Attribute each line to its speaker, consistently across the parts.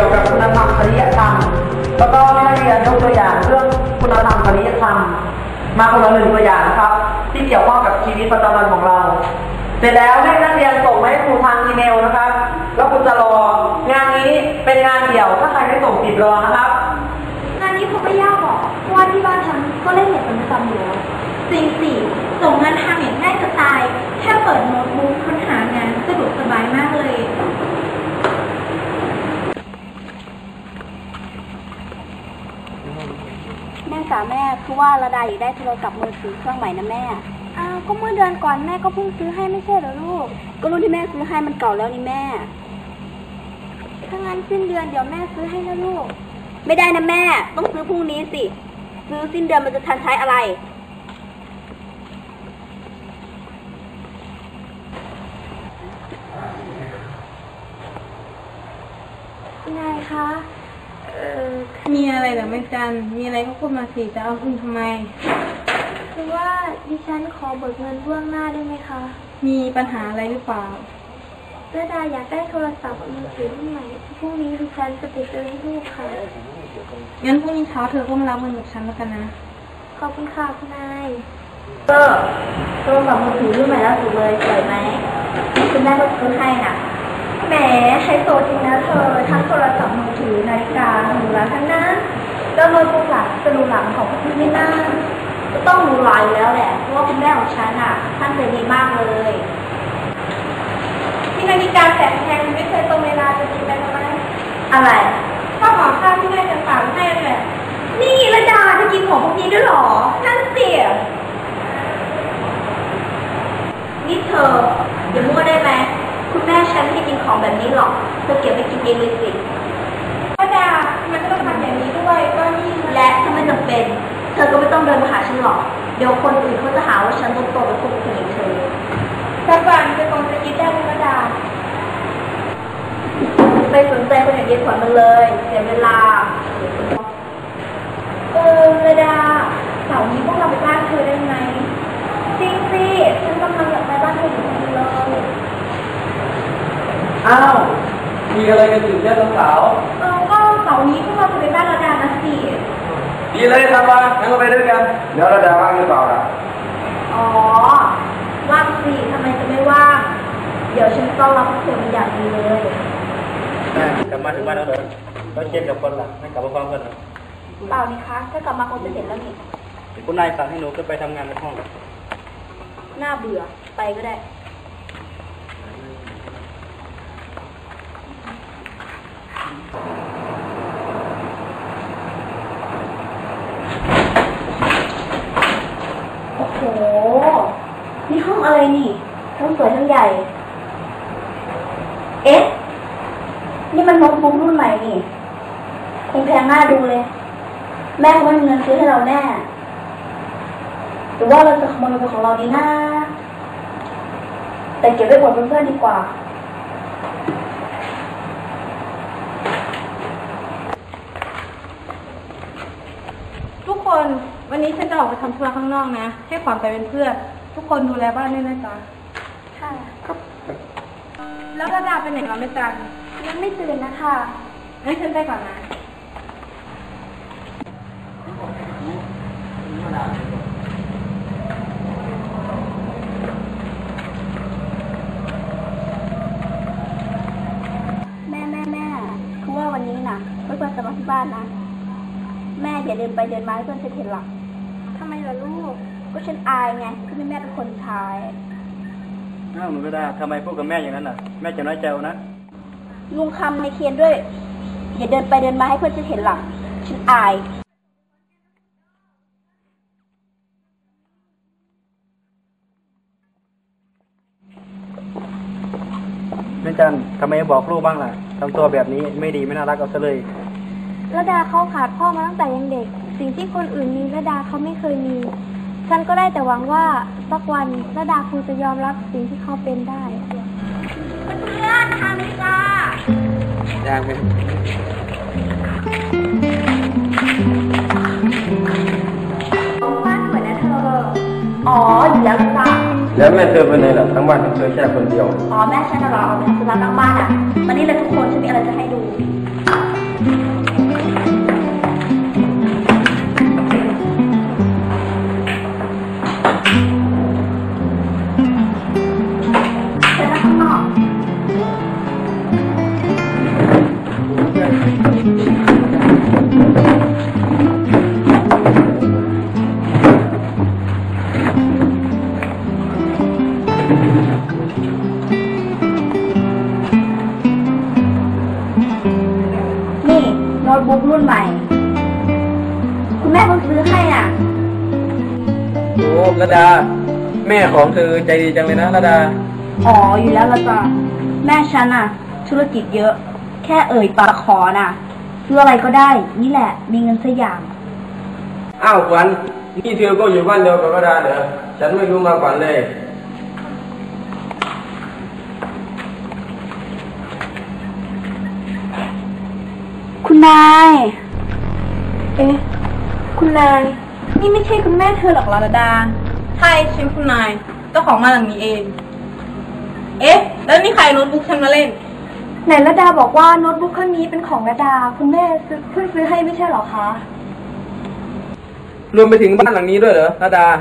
Speaker 1: กี่ยวกับคุณธรรมจริยธรรมแล้วก็ให้นักเรียนยกตัวอย่างเรื่องคุณธรรมจริยธรรมมาคนละหนึ่งตัวอย่างนะครับที่เกี่ยวข้องกับชีวิตประจำวันของเราเสร็จแล้วให้นักเรียนส่งมาให้ครูทางอีเมลนะครับแล้วคุณจะรองานนี้เป็นงานเดี่ยวถ้าใครไม่ส่งติดรอนะครับ
Speaker 2: งานนี้คงไม่ยากหรอกเพราะว่าที่บ้านฉันก็เล่นเน็ตเป็นประจำอยู่แล้วจริงสิส่งงานทางเน็ตง่ายจะตายแค่เปิดโน้ตบุ๊กค้นหางานสะดวกสบายมากเลย
Speaker 3: แม่จ๋าแม่คือว่าระดาอยากได้โทรศัพท์มือถือเครื่องใหม่นะแม่
Speaker 2: ก็เมื่อเดือนก่อนแม่ก็เพิ่งซื้อให้ไม่ใช่เหรอลูก
Speaker 3: ก็รุ่นที่แม่ซื้อให้มันเก่าแล้วนี่แม่
Speaker 2: ถ้างั้นสิ้นเดือนเดี๋ยวแม่ซื้อให้นะลูก
Speaker 3: ไม่ได้นะแม่ต้องซื้อพรุ่งนี้สิซื้อสิ้นเดือนมันจะทันใช้อะไร
Speaker 2: นายคะ
Speaker 4: มีอะไรเหรอแม่จันมีอะไรก็พูดมาสิจะเอาคุณทำไม
Speaker 2: คือว่าดิฉันขอเบิกเงินล่วงหน้าได้ไหมคะ
Speaker 4: มีปัญหาอะไรหรือเปล่า
Speaker 2: ระดาอยากได้โทรศัพท์มือถือรุ่นใหม่พรุ่งนี้ดิฉันจะไปซื้อให้ลูกค่ะ
Speaker 4: งั้นพรุ่งนี้เช้าเธอก็มารับเงินกับฉันแล้วกันนะ
Speaker 2: ขอบคุณค่ะคุณนาย
Speaker 3: โทรศัพท์มือถือรุ่นใหม่ล่าสุดเลยสวยไหมคุณแม่ก็ซื้อให้น่ะ
Speaker 2: แหมใช้โซจริงนะเธอทั้งโทรศัพท์มือถือนาฬิกาหรูหราทั้งนั้นแล้วโน้ตบุ๊กล่ะจะหรูหราของพี่ไม่น่า
Speaker 3: ก็ต้องหรูหราอยู่แล้วแหละเพราะว่าคุณแม่ของฉันอ่ะท่านใจดีมากเลย
Speaker 2: ที่นาฬิกาแสนแพงไม่เคยตรงเวลาจะกินไปทำไม
Speaker 3: อะไร
Speaker 2: ข้าวหอมข้าวที่แม่จะฝากให้เลยนี่ระดาจะกินของพวกนี้ด้วยหรอนั่นเสีย
Speaker 3: นี่เธออย่ามั่วได้ไหมคุณแม่ฉันไม่กินของแบบนี้หรอกเธอเก็บไปกินเองเลยสิ
Speaker 2: ระดามันก็ต้องทำอย่างนี้ด้วยก็นี่
Speaker 3: และถ้าไม่จำเป็นเธอก็ไม่ต้องเดินมาหาฉันหรอกเดี๋ยวคนอื่นเขาจะหาว่าฉันโตเป็นคนผู้หญิงเธอ
Speaker 2: สักวันจะคงจะคิดได้ไหมระดา
Speaker 3: ไปสนใจคนอย่างเย็นขวัญมันเลยเสียเวลา
Speaker 2: ระดาเสาร์นี้พวกเราไปบ้านเธอได้ไหมจริงสิฉันกำลังอยากไปบ้านเธออยู่พอดีเลย
Speaker 1: อ้าวมีอะไรกันอยู่เนี่ยสาว
Speaker 2: ก็เสาร์นี้พวกเราจะไปบ้านระดานะสิ
Speaker 1: ดีเลยทำมางั้นก็ไปด้วยกันเดี๋ยวระดาว่างหรือเปล่าล่ะ
Speaker 3: ว่างสิทำไมจะไม่ว่างเดี๋ยวฉันต้อนรับเธอเป็นอย่างดีเลย
Speaker 5: กลับมาถึงบ้านแล้วเหรอแล้วเจนกับคนล่ะไม่กลับมาฟังกันเหรอ
Speaker 3: เปล่านี่คะถ้ากลับมาคงจะเห็นแล้วนี่
Speaker 5: คุณนายสั่งให้หนูขึ้นไปทำงานในห้อง
Speaker 3: น่าเบื่อไปก็ได้โอ้โหนี่ห้องอะไรนี่ทั้งสวยทั้งใหญ่เอ๊ะนี่มันโน้ตบุ๊กรุ่นใหม่นี่คงแพงน่าดูเลยแม่คงไม่มีเงินซื้อให้เราแน่หรือว่าเราจะขโมยเป็นของเราดีนะแต่เก็บไว้อวดเพื่อนๆดีกว่า
Speaker 4: ทุกคนวันนี้ฉันจะออกไปทำธุระข้างนอกนะให้ขวัญไปเป็นเพื่อนทุกคนดูแลบ้านด้วยนะจ๊ะ
Speaker 2: ค่ะ
Speaker 4: ครับแล้วระดาไปไหนกันไม่จัน
Speaker 2: ยังไม่ตื่นนะคะ
Speaker 4: งั้นฉันไปก่อนนะ
Speaker 3: แม่คือว่าวันนี้น่ะเพื่อนจะมาที่บ้านนะแม่อย่าเดินไปเดินมาให้เพื่อนฉันเห็นหรอก
Speaker 2: ทำไมล่ะลูก
Speaker 3: ก็ฉันอายไงคือแม่เป็นคนใช้
Speaker 5: หนูก็ได้ทำไมพูดกับแม่อย่างนั้นน่ะแม่จะน้อยใจนะ
Speaker 3: ลุงคำในเคียนด้วยอย่าเดินไปเดินมาให้เพื่อนฉันเห็นหรอกฉันอาย
Speaker 5: แม่จันทำไมบอกลูกบ้างล่ะทำตัวแบบนี้ไม่ดีไม่น่ารักเอาซะเลย
Speaker 2: ระดาเขาขาดพ่อมาตั้งแต่ยังเด็กสิ่งที่คนอื่นมีระดาเขาไม่เคยมีฉันก็ได้แต่หวังว่าสักวันระดาคงจะยอมรับสิ่งที่เขาเป็นได้เพื่อนทำนี่จ้า
Speaker 5: ยังไหม
Speaker 2: บ้านสวยนะเธอ
Speaker 3: อยู่แล้วจ้า
Speaker 5: แล้วแม่เธอเป็นไงล่ะทั้งบ้านเธอแค่คนเดียว
Speaker 3: แม่ฉันน่ะเหรอเอาเป็นสุนัขทั้งบ้านอ่ะวันนี้เลยทุกคนฉันมีอะไรจะให้ดูนี่โน้ตบุ๊กรุ่นใหม่ คุณแม่เพิ่งซื้อให้อ่ะ
Speaker 5: โอ้ระดา แม่ของเธอใจดีจังเลยนะระดา
Speaker 3: อ๋ออยู่แล้วละจ้ะแม่ฉันอ่ะ ธุรกิจเยอะ แค่เอ่ยปากขอน่ะซื้ออะไรก็ได้ นี่แหละ มีเงินสักอย่าง
Speaker 6: อ้าวขวัญนี่เธอก็อยู่บ้านเดียวกับระดาเหรอฉันไม่รู้มาก่อนเลย
Speaker 3: คุณนาย
Speaker 4: เอ๊ะ คุณนาย นี่ไม่ใช่คุณแม่เธอหรอกเหรอระดา ใช่ฉันคุณนาย เจ้าของบ้านหลังนี้เอง เอ๊ะ แล้วนี่ใครโน้ตบุ๊กฉันมาเล่น
Speaker 2: ไหนระดาบอกว่าโน้ตบุ๊กเครื่องนี้เป็นของระดา คุณแม่เพิ่งซื้อให้ไม่ใช่เหรอคะ
Speaker 5: รวมไปถึงบ้านหลังนี้ด้วยเหรอระดา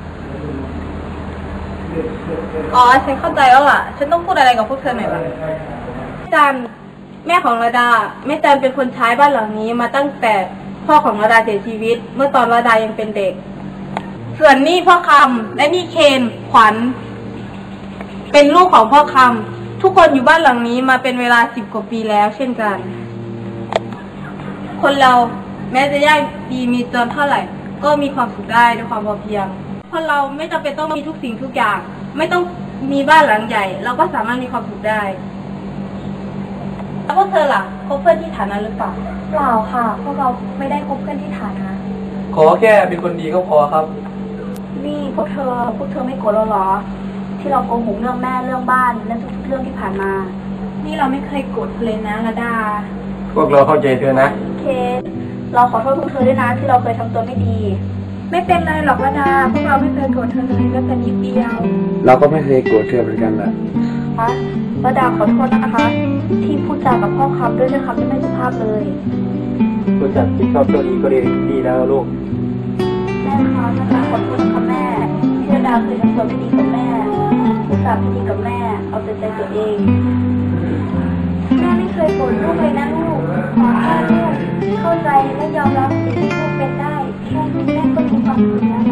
Speaker 4: อ๋อ ฉันเข้าใจแล้วล่ะ ฉันต้องพูดอะไรกับพวกเธอหน่อยล่ะจันแม่ของระดาแม่จันเป็นคนใช้บ้านหลังนี้มาตั้งแต่พ่อของระดาเสียชีวิต เมื่อตอนระดายังเป็นเด็ก ส่วนนี่พ่อคำและนี่เคนขวัญเป็นลูกของพ่อคำทุกคนอยู่บ้านหลังนี้มาเป็นเวลา10 กว่าปีแล้ว เช่นกัน คนเราแม้จะยากดีมีจนเท่าไหร่ ก็มีความสุขได้ด้วยความพอเพียงคนเราไม่จำเป็นต้องมีทุกสิ่งทุกอย่าง ไม่ต้องมีบ้านหลังใหญ่ เราก็สามารถมีความสุขได้แล้วพวกเธอล่ะคบเพื่อนที่ฐานะหรือเปล่า
Speaker 2: เปล่าค่ะ พวกเราไม่ได้คบเพื่อนที่ฐานะ
Speaker 5: ขอแค่เป็นคนดีก็พอครับ
Speaker 3: นี่พวกเธอไม่โกรธเราเหรอ ที่เราโกหกเรื่องแม่เรื่องบ้านและทุกๆเรื่องที่ผ่านมา
Speaker 4: นี่เราไม่เคยโกรธเธอเลยนะระดา
Speaker 6: พวกเราเข้าใจเธอนะ
Speaker 3: เคสเราขอโทษพวกเธอด้วยนะที่เราเคยทำตัวไม่ดี
Speaker 2: ไม่เป็นไรหรอกระดา พวกเราไม่เคยโกรธเธอเลยแม้แต่นิดเดียว
Speaker 6: เราก็ไม่เคยโกรธเธอเหมือนกันแหละ
Speaker 3: คะระดาขอโทษนะคะ ที่พูดจากับพ่อคำด้วยคำที่ไม่สุภาพเลย
Speaker 5: รู้จักคิดชอบตัวดีก็ดีแล้วลูก
Speaker 3: แม่คะระดาขอโทษนะคะแม่ที่ระดาเคยทำตัวไม่ดีกับแม่พูดจาไม่ดีกับแม่ เอาแต่ใจตัวเอง
Speaker 2: แม่ไม่เคยโกรธลูกเลยนะลูก ขอแค่ลูกเข้าใจและยอมรับสิ่งที่ลูกเป็นได้ แค่นี้แม่ก็มีความสุขแล้วนะ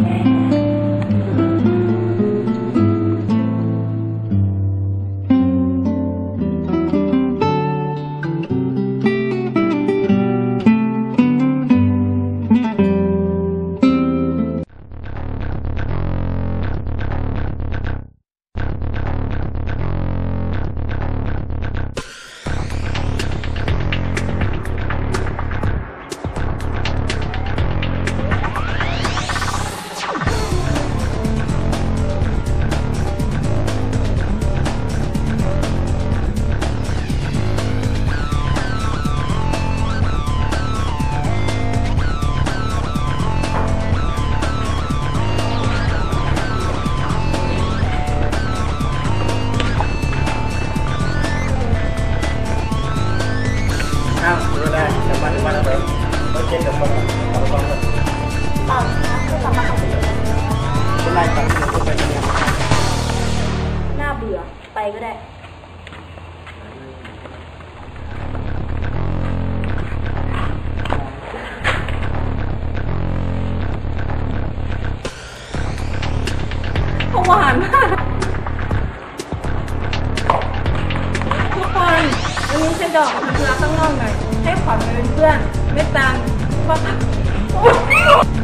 Speaker 5: อ้าวรู้ได้จะมาถึงบ้านแล้วเหรอเราเช็คกับคนเอาไปก่อนเลย
Speaker 3: เปล่านะคะคือสามารถทำได้เลย
Speaker 5: คุณนายสั่งให้เราไปทำงาน
Speaker 3: น่าเบื่อ ไปก็ได้
Speaker 4: หวานมาก ทุกคนวันนี้ฉันจะออกไปทำธุระข้างนอกหน่อย ให้ขวัญไปเป็นเพื่อน ไม่ตามเพราะวันนี้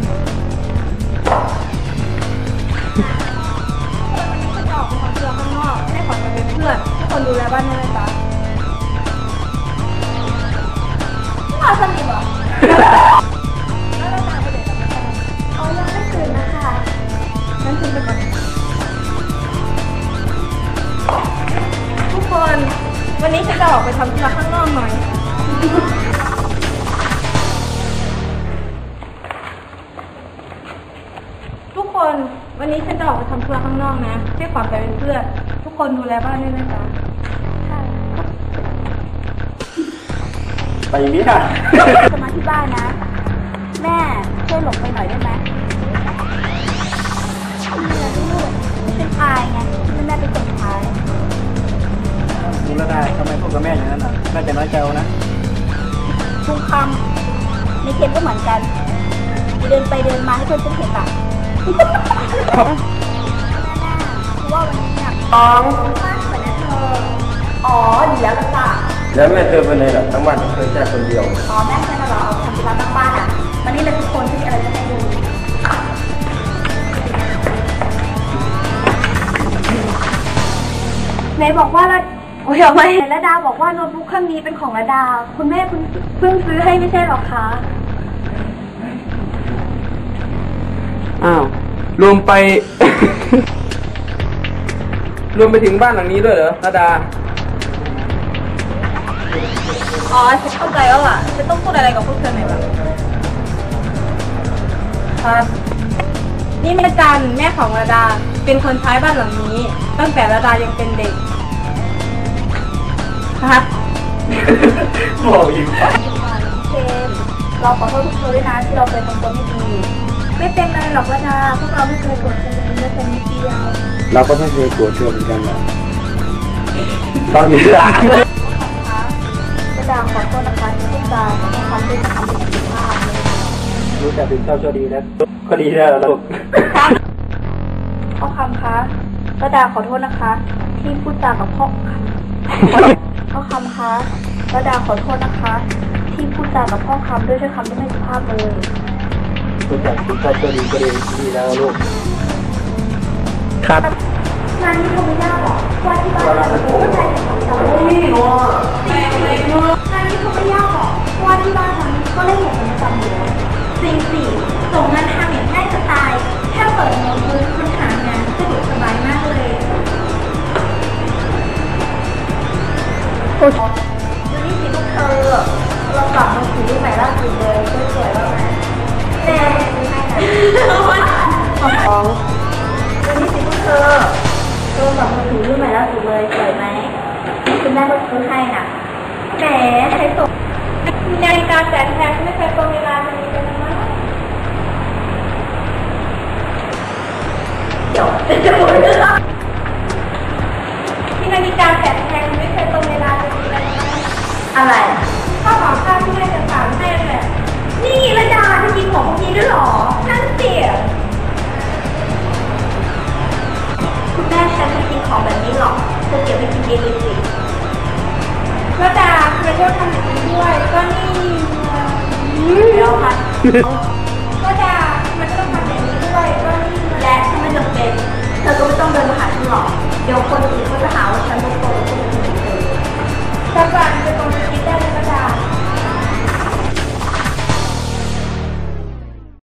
Speaker 4: ฉันจะออกไปทำธุระข้างนอก ให้ขวัญไปเป็นเพื่อนทุกคนดูแลบ้านด้วยนะจ๊ะ
Speaker 3: มาสนิทเหรอ
Speaker 4: แล้วเราจะไปไหนกันบ้าง
Speaker 2: เอายังไม่ตื่นนะคะ
Speaker 4: งั้นคุณไปก่อนทุกคนวันนี้ฉันจะออกไปทำธุระข้างนอกหน่อย ทุกคนวันนี้ฉันจะออกไปทำธุระข้างนอกนะให้ขวัญไปเป็นเพื่อน ทุกคนดูแลบ้านด้วยนะจ๊ะ
Speaker 5: ไปอย่างนี้ค่ะ
Speaker 3: จะมาที่บ้านนะ แม่ช่วยหลบไปหน่อยได้ไหมลูกเป็นอายไงที่แม่เป็นคนท้าย
Speaker 5: รู้แล้วได้ทำไมพูดกับแม่อย่างนั้นน่ะแม่จะน้อยใจเอานะ
Speaker 3: ใทุกคำในเคนก็เหมือนกันเดินไปเดินมาให้เพื่อนฉันเห็นอ่ะคือว่าวันนี้เนี่ย
Speaker 1: น้อง
Speaker 3: บ้านสวยนะเธอ
Speaker 1: อ๋อดีแล้วล่ะจ้ะ
Speaker 6: แล้วแม่เธอไปไหนล่ะทั้งบ้านเธอแค่คนเดียว
Speaker 3: อ๋อแม่ฉันน่ะเหรอเอาทำธุระตั้งบ้านอ่ะวันนี้เลยทุกคนที่มีอะไรจะให้ดูไหนบอกว่าละโอ้ยเอาไหมระดาบอกว่าโน้ตบุ๊กเครื่องนี้เป็นของระดา คุณแม่คุณเพิ่งซื้อให้ไม่ใช่หรอคะ
Speaker 5: อ้าว รวมไป รวมไปถึงบ้านหลังนี้ด้วยเหรอระดา
Speaker 4: อ๋อฉันเข้าใจแล้วล่ะ ฉันต้องพูดอะไรกับพวกเธอหน่อยบ้างครับ นี่แม่จันแม่ของระดา เป็นคนใช้บ้านหลังนี้ ตั้งแต่ระดายังเป็นเด็กครับ
Speaker 5: บอกอีก
Speaker 3: เชนเราขอโทษทุกคนด้วยนะที่เราเคยทำตัวไม่ดี ไม่เป็นไรหรอกระดาพวกเราไม่เคยโกรธกันเลยแม้แต่นิดเดียว
Speaker 6: เราก็ไม่เคยกลัวเธอเหมือนกันนะตอนนี้ล่ะ
Speaker 3: ระดาขอโทษนะคะที่พูดจาไม่ทำด้วยคำไม่สุภาพเลย
Speaker 6: รู้จักเป็นเจ้าชั่วดีนะก็ดีแล้วลูก
Speaker 3: พ่อคำคะระดาขอโทษนะคะ ที่พูดจากับพ่อคำพ่อคำคะระดาขอโทษนะคะ ที่พูดจากับพ่อคำด้วยคำที่ไม่สุภาพเลย
Speaker 6: รู้จักเป็นเจ้าชั่วดีก็ดีแล้วลูก
Speaker 5: ครับ
Speaker 3: งานนี้คงไม่ยากหรอกว่าที่บ้านเราโอ้ยใจของเรา
Speaker 1: นี่หนูอ่ะ
Speaker 3: งานนี้คงไม่ยากหรอกว่าที่บ้านเราก็เล่นอย่างประจำอยู่แล้วจริงสิส่งงานทำอย่างง่ายจะตายแค่เปิดโน้ตบุ๊กค้นหางานสะดวกสบายมากเลยดูนี่สิพวกเธอเรากลับมาถือรุ่นใหม่ล่าสุดเลยสวยๆแล้วนะแน่ไม่ให้นะของดูนี่สิพวกเธอเรากลับมาถือรุ่นใหม่ล่าสุดเลยสวยไหมคุณแม่ก็ซื้อให้น่ะแหมใช้ส่ง
Speaker 4: นาฬิกาแสนแพงฉันไม่เคยตรงเวลาเลยนะ
Speaker 3: เดี๋ยวจะหมดเลย
Speaker 4: ที่นาฬิกาแสนแพงไม่เคยตรงเวลาเลยนะ
Speaker 3: อะไร
Speaker 4: ข้าวของข้าวที่แม่จะสั่งให้เลย
Speaker 3: นี่ระดาจะกินของพวกนี้ด้วยเหรอ นั่นสิคุณแม่ฉันไม่กินของแบบนี้หรอกเธอเก็บไปกินเองเลยสิ
Speaker 4: ระดาทำไมต้องทำอย่างนี้ด้วยก็นี่
Speaker 3: เดี๋ยวค่ะ
Speaker 4: ระดามันก็ต้องทำอย่างนี้ด้วยก็นี่
Speaker 3: และถ้าไม่จำเป็น เธอก็ไม่ต้องเดินมาหาฉันหรอก เดี๋ยวคนอื่นเขาจะหาว่าฉันเป็นคนที่ไม่ดีเธอ
Speaker 4: ระดา